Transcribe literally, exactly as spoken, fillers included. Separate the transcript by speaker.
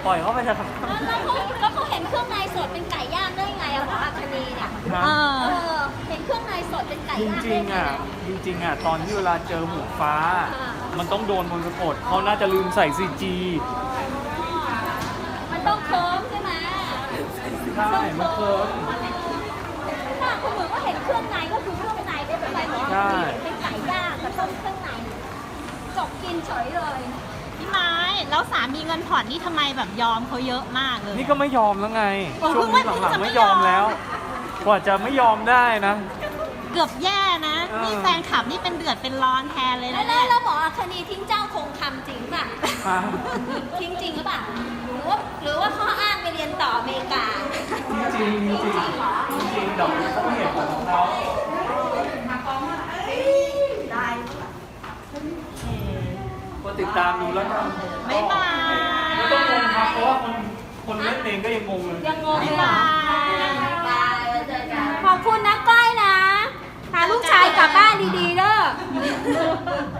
Speaker 1: ปล่อยเขาไปเถอะครับ
Speaker 2: แล้วเขาแล้วเขาเห็นเครื่องในสดเป็นไก่ย่างได้ไงอะหมออัคนีเนี่ย
Speaker 1: ครั
Speaker 3: เอบ
Speaker 2: เอ
Speaker 3: อ
Speaker 2: อเห็นเครื่องในสดเป็นไก่
Speaker 1: จ
Speaker 2: ย่าง
Speaker 1: ริงๆอ่ะจริงๆอ่ะตอนที่เวลาเจอหมูฟ้า มันต้องโดนมนต์สะกดเขาน่าจะลืมใส่ซีจี
Speaker 2: มันต้องเคิร์มใช่ไหม
Speaker 1: ใช่มันเคิร์ม
Speaker 2: ถ้าคุณเหมือนว่าเห็นเครื่องในก็คือเครื่องในไม่เป็นไรหมอ
Speaker 1: ใช่
Speaker 2: เป็นไก่ย่างกับต้มเครื่องในจบกินเฉยเลย
Speaker 3: พี่ไม้แล้วสามีเงินผ่อนนี่ทำไมแบบยอมเขาเยอะมากเลย
Speaker 1: นี่ก็ไม่ยอมแล้วไง
Speaker 3: โอ้
Speaker 1: ช่วงนี้
Speaker 3: เพิ่ง
Speaker 1: หลั
Speaker 3: ว่าง
Speaker 1: ๆ
Speaker 3: เพิ่งจะไม่
Speaker 1: ไม่ยอม
Speaker 3: ยอม
Speaker 1: แล้ว กว่าจะไม่ยอมได้นะ
Speaker 3: เกือบแย่นะ
Speaker 1: เออ
Speaker 3: นี่แฟนคลับนี่เป็นเดือดเป็นร้อนแทนเลย
Speaker 2: แล้
Speaker 3: นะ
Speaker 2: ว
Speaker 3: เนี่ย
Speaker 2: แล้วหมออัคนีทิ้งเจ้าคงคำจริงป่ะ
Speaker 1: ครับ
Speaker 2: ทิ้งจริงหรือเปล่าหรือว่าหรือว่าข้ออ้างไปเรียนต่ออเมริกา
Speaker 1: จริงๆจริงๆจริงๆจริงๆเดี๋ยวเขาไม่เห็นผลของเขาก็ติดตามดูแล้วกัน
Speaker 3: บ๊ายบาย
Speaker 1: ไม่ต้องงงครับเพราะว่าคนคนเล่นเองก็ยังงงเลย
Speaker 2: ยังงงเลย
Speaker 3: บ๊าย
Speaker 2: อ่ะ
Speaker 3: บาย
Speaker 2: ขอบคุณนะก้อยนะ พาลูกชายกลับบ้านดีๆเด้อ